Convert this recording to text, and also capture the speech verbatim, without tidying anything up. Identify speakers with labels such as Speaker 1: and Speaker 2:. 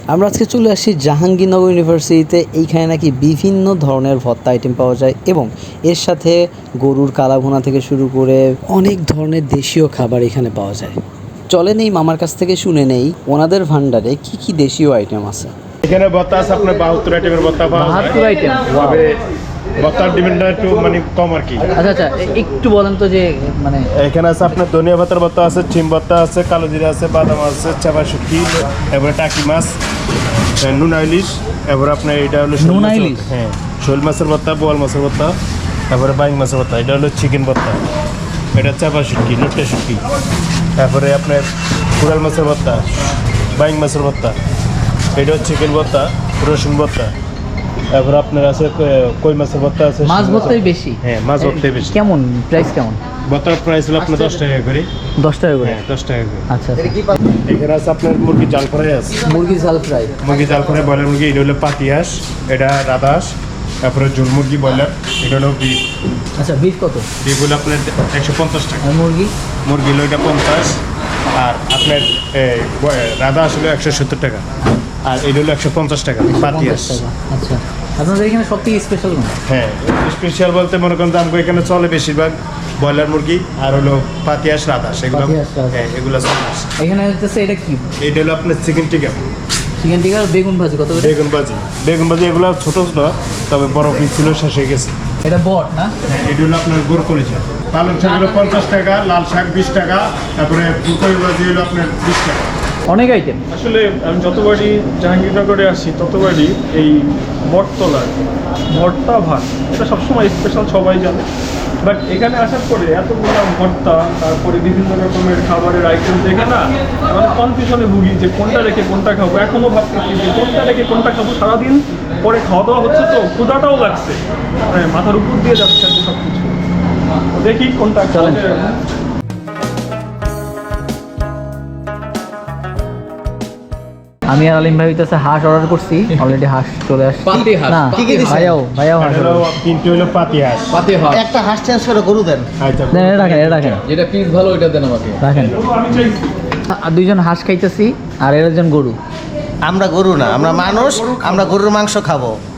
Speaker 1: আমরা আজকে চলে আসছি জাহাঙ্গীরনগর ইউনিভার্সিটিতে। এইখানে নাকি বিভিন্ন ধরনের ভর্তা আইটেম পাওয়া যায় এবং এর সাথে গরুর কালাভুনা থেকে শুরু করে অনেক ধরনের দেশীয় খাবার এখানে পাওয়া যায়। চলেন এই মামার কাছ থেকে শুনে নেই ওনাদের ভান্ডারে কি কি দেশীয় আইটেম আছে।
Speaker 2: এখানে ভর্তা আছে আপনার বাহাত্তর আইটেমের ভর্তা পাওয়া যায়।
Speaker 3: বাহাত্তর আইটেম,
Speaker 2: তবে ভর্তার ডিমান্ডটা একটু মানে কম আর কি।
Speaker 3: আচ্ছা আচ্ছা, একটু বলেন তো যে মানে
Speaker 2: এখানে আছে আপনার ধনিয়া পাতার ভর্তা আছে, চিম ভর্তা আছে, কালো জিরা আছে, বাদাম আছে, চাপা শুটকি, এবারে টাকি মাছ, নুনা ইলিশ, এবারে আপনার এটা হলো শোল
Speaker 3: নুনা
Speaker 2: মাছের-
Speaker 3: ইলিশ?
Speaker 2: হ্যাঁ, শোল মাছের ভর্তা, বোয়াল মাছের ভর্তা, তারপরে বাইং মাছের ভর্তা, এটা হলো চিকেন ভর্তা, এটা চাপা শুটকি, লোট্টা শুটকি, তারপরে আপনার কুড়াল মাছের ভর্তা, বাইং মাছের ভর্তা, এটা হচ্ছে চিকেন ভর্তা, রসুন ভর্তা, তারপরে আপনার আছে কই মাছের ভর্তা আছে।
Speaker 3: মাছ ভর্তাই বেশি?
Speaker 2: হ্যাঁ, মাছ ভর্তাই বেশি।
Speaker 3: কেমন প্রাইস কেমন?
Speaker 2: ভর্তার প্রাইস হলো আপনার দশ টাকা করে।
Speaker 3: দশ টাকা করে?
Speaker 2: হ্যাঁ, দশ টাকা করে।
Speaker 3: আচ্ছা আচ্ছা।
Speaker 2: এখানে আছে আপনার মুরগি জাল ফ্রাই আছে,
Speaker 3: মুরগি ঝাল ফ্রাই,
Speaker 2: মুরগি জাল ফ্রাই, ব্রয়লার মুরগি, এটা হলো পাতি হাঁস, এটা রাধা হাঁস, তারপরে ঝুল মুরগি, ব্রয়লার, এটা হলো বিফ।
Speaker 3: আচ্ছা, বিফ কত?
Speaker 2: বিফ হলো আপনার একশো পঞ্চাশ টাকা,
Speaker 3: আর মুরগি?
Speaker 2: মুরগি হলো এটা পঞ্চাশ, আর আপনার এই রাধা হাঁস হলো একশো সত্তর টাকা, আর এটা হলো একশো পঞ্চাশ টাকা পাতি হাঁস।
Speaker 3: পঞ্চাশ টাকা। আচ্ছা, আপনাদের এখানে সব থেকে স্পেশাল কোন?
Speaker 2: হ্যাঁ, স্পেশাল বলতে মনে করেন দাম এখানে চলে বেশিরভাগ ব্রয়লার মুরগি আর হলো পাতি হাঁস, রাধা হাঁস, এগুলো
Speaker 3: পাতি হাঁস, রাধা হাঁস।
Speaker 2: হ্যাঁ এগুলো চলে।
Speaker 3: এখানে হচ্ছে এটা কি?
Speaker 2: এটা হলো আপনার চিকেন টিকা,
Speaker 3: চিকেন টিকা আর বেগুন ভাজি কত করে?
Speaker 2: বেগুন ভাজি, বেগুন ভাজি এগুলো ছোট ছোট, তবে বড় পিস ছিল, শেষ হয়ে গেছে।
Speaker 3: এটা বট না?
Speaker 2: হ্যাঁ, এটা হলো আপনার গোর করেছে, পালং শাক হলো পঞ্চাশ টাকা, লাল শাক বিশ টাকা, তারপরে ফুলকপি ভাজি হলো আপনার বিশ টাকা।
Speaker 3: অনেক আইটেম।
Speaker 4: আসলে আমি যতবারই জাহাঙ্গীরনগরে আসি ততবারই এই বটতলার ভর্তা ভাত এটা সবসময় স্পেশাল, সবাই জানে। বাট এখানে আসার পরে এতগুলো ভর্তা, তারপরে বিভিন্ন রকমের খাবারের আইটেম দেখে না মানে কনফিউশনে ভুগি যে কোনটা রেখে কোনটা খাবো। এখনও ভাবতেছি যে কোনটা রেখে কোনটা খাবো। সারাদিন পরে খাওয়া দাওয়া হচ্ছে তো ক্ষুধাটাও লাগছে, মানে মাথার উপর দিয়ে যাচ্ছে আর কি সব কিছু। দেখি কোনটা খাওয়া যায়।
Speaker 3: আমি আর আলিম ভাই হইতেছে হাঁস অর্ডার করছি, অলরেডি হাঁস চলে আসছে।
Speaker 5: পাতি হাঁস।
Speaker 3: না,
Speaker 5: কি কি দিছেন?
Speaker 3: ভাইয়াও ভাইয়াও হাঁস
Speaker 2: এটা হলো
Speaker 3: order করছে।
Speaker 2: তিনটে হলো পাতি হাঁস।
Speaker 5: পাতি হাঁস।
Speaker 6: একটা হাঁস চেঞ্জ করে গরু দেন।
Speaker 2: আচ্ছা,
Speaker 3: দেন, এটা রাখেন, এটা রাখেন,
Speaker 5: যেটা পিস ভালো ওইটা দেন আমাকে।
Speaker 3: রাখেন।
Speaker 4: আমি চাই
Speaker 3: আর দুইজন হাঁস খাইতেছি আর এর একজন গরু।
Speaker 6: আমরা গরু না, আমরা মানুষ, আমরা গরুর মাংস খাবো।